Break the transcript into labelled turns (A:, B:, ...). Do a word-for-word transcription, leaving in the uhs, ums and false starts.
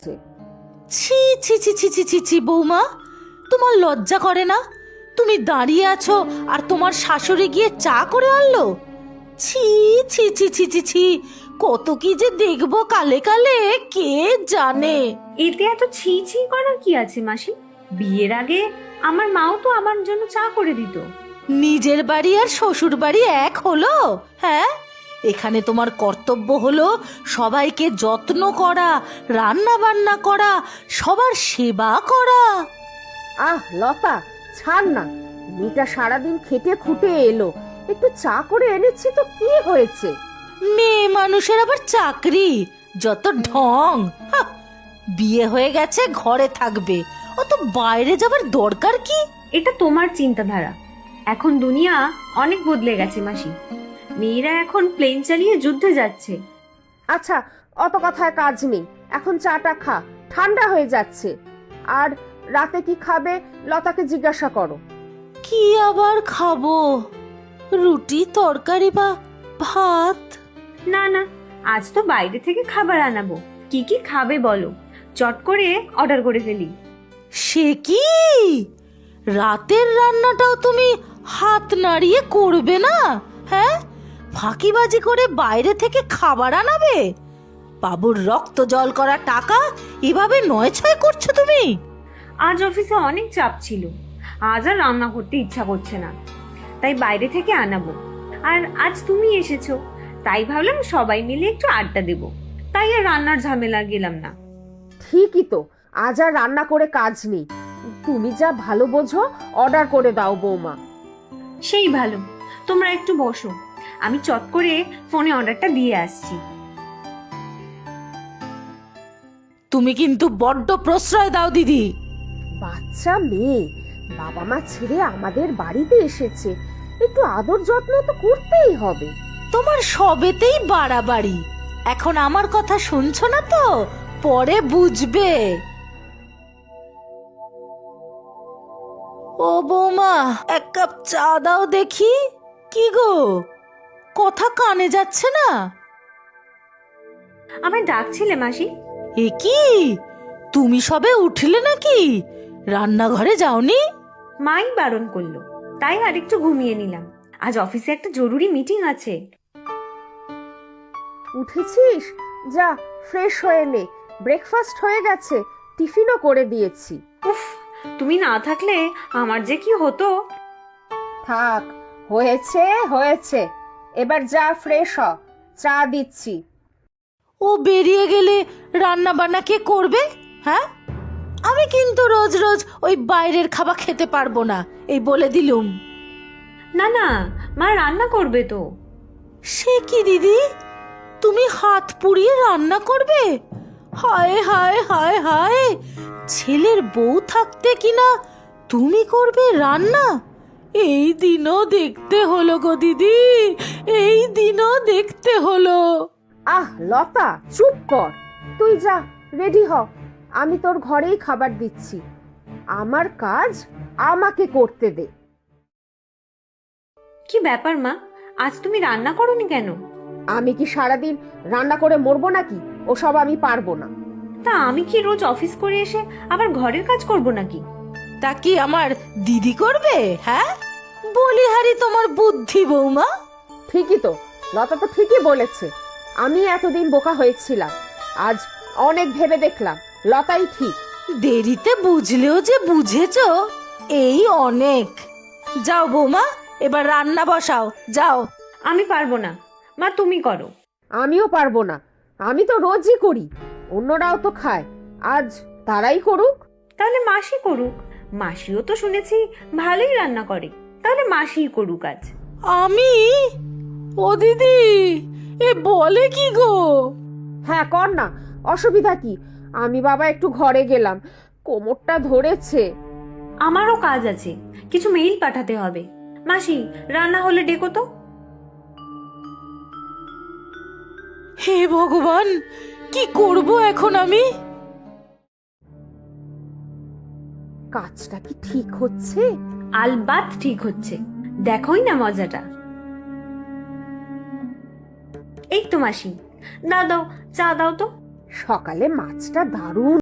A: ছি ছি ছি ছি ছি ছি ছি বৌমা, তোমার লজ্জা করে না? তুমি দাঁড়িয়ে আছো আর তোমার শাশুড়ি গিয়ে চা করে আনলো? ছি ছি ছি ছি ছি ছি, কত কি যে দেখবো কালে কালে কে জানে।
B: এতে এত ছি ছি করার কি আছে মাসি? বিয়ের আগে আমার মাও তো আমার জন্য চা করে দিত।
A: নিজের বাড়ি আর শ্বশুর বাড়ি এক হলো? হ্যাঁ, এখানে তোমার কর্তব্য হলো সবাইকে যত্ন করা, রান্না বান্না করা, সবার সেবা করা।
C: আহ লতা, ছাড় না। মেয়েটা সারাদিন খেটে খুঁটে এলো, একটু চা করে এনেছি তো কি হয়েছে?
A: মেয়ে মানুষের আবার চাকরি, যত ঢং। হাহ, বিয়ে হয়ে গেছে, ঘরে থাকবে, অত বাইরে যাবার দরকার কি?
B: এটা তোমার চিন্তাধারা। এখন দুনিয়া অনেক বদলে গেছে মাসি। মেয়েরা এখন প্লেন চালিয়ে যুদ্ধে যাচ্ছে।
C: আচ্ছা, অত কথায় কাজ নেই, এখন চাটা খা, ঠান্ডা হয়ে যাচ্ছে। আর রাতে কি খাবে লতাকে জিজ্ঞাসা করো।
A: কি আবার খাবো? রুটি, তরকারি বা ভাত?
B: না না, আজ তো বাইরে থেকে খাবার আনাবো। কি কি খাবে বলো, চট করে অর্ডার করে ফেলি।
A: সে কি, রাতের রান্নাটাও তুমি হাত নাড়িয়ে করবে না? হ্যাঁ, ফাঁকিবাজি করে বাইরে থেকে খাবার আনাবে? বাবুর রক্ত জল করা টাকা এভাবে নয় ছয় করছো তুমি?
B: আজ অফিসে অনেক চাপ ছিল, আজ আর রান্না করতে ইচ্ছা করছে না, তাই বাইরে থেকে আনাবো। আর আজ তুমি এসেছো, তাই ভাবলাম সবাই মিলে একটু আড্ডা দেব, তাই আর রান্নার ঝামেলা গেলাম না।
C: ঠিকই তো, আজ আর রান্না করে কাজ নেই। তুমি যা ভালো বোঝো অর্ডার করে দাও বৌমা।
B: সেই ভালো, তোমরা একটু বসো, আমি চট করে ফোনে অর্ডারটা দিয়ে আসছি।
A: তুমি কিন্তু বড্ড প্রশ্রয় দাও দিদি।
C: বাচ্চা মেয়ে, বাবা মা ছেড়ে আমাদের বাড়িতে এসেছে, একটু আদর যত্ন তো করতেই হবে।
A: তোমার সবেতেই বাড়াবাড়ি। এখন আমার কথা শুনছো না তো, পরে বুঝবে। ও বৌমা, এক কাপ চা দাও দেখি। কি গো, কথা কানে যাচ্ছে না?
B: আমায় ডাকছিলে মাসি?
A: এ কি, তুমি সবে উঠলে নাকি? রান্নাঘরে যাওনি?
B: মাই বারণ করলো, তাই আর একটু ঘুমিয়ে নিলাম। আজ অফিসে একটা জরুরি মিটিং আছে।
C: উঠেছিস? যা ফ্রেশ হয়ে নে, ব্রেকফাস্ট হয়ে গেছে, টিফিনও করে দিয়েছি।
B: উফ, তুমি না থাকলে আমার যে কি হতো।
C: থাক, হয়েছে হয়েছে, এবার যা ফ্রেশ হ, চা দিচ্ছি।
A: ও বেরিয়ে গেলে রান্না বান্না কে করবে? হ্যাঁ, আমি কিন্তু রোজ রোজ ওই বাইরের খাবার খেতে পারবো না, এই বলে দিলুম।
B: না না, মা রান্না করবে তো।
A: সে কি দিদি, তুমি হাত পুড়িয়ে রান্না করবে? হায় হায় হায় হায়, ছেলের বউ থাকতে কিনা তুমি করবে রান্না? এই দিনও দেখতে হলো গো দিদি, এই দিনও দেখতে হলো।
C: আহ লতা, চুপ কর। তুই যা রেডি হ, আমি তোর ঘরেই খাবার দিচ্ছি। আমার কাজ আমাকে করতে দে।
B: কি ব্যাপার মা, আজ তুমি রান্না করোনি কেন?
C: আমি কি সারাদিন রান্না করে মরবো নাকি? ওসব আমি পারবো না।
B: তা আমি কি রোজ অফিস করে এসে আবার ঘরের কাজ করব নাকি?
A: তা কি আমার দিদি করবে? হ্যাঁ, বলিহারি তোমার বুদ্ধি বৌমা।
C: ঠিকই তো, লতা তো ঠিকই বলেছে। আমি এতদিন বোকা হয়েছিলাম, আজ অনেক ভেবে দেখলাম লতাই ঠিক।
A: দেরিতে বুঝলেও যে বুঝেছো, এই অনেক। যাও বৌমা, এবার রান্না বসাও, যাও।
B: আমি পারবো না মা, তুমি করো।
C: আমিও পারবো না, আমি তো রোজই করি, অন্যরাও তো খায়, আজ তারাই করুক।
B: তাহলে মাসি করুক, মাসিও তো শুনেছি ভালোই রান্না করে, তাহলে মাসিই করুক আজ।
A: আমি? ও দিদি, এ বলে কি গো?
C: হ্যাঁ কর না, অসুবিধা কি? আমি বাবা একটু ঘরে গেলাম, কোমরটা ধরেছে।
B: আমারও কাজ আছে, কিছু মেইল পাঠাতে হবে। মাসি, রান্না হলে ডেকো তো।
A: হে ভগবান, কি করব এখন আমি?
C: কাজটা কি ঠিক হচ্ছে?
B: আলবাত ঠিক হচ্ছে, দেখোই না মজাটা। এই তো মাসি, দাও দাও, চা দাও তো।
C: সকালে মাছটা দারুণ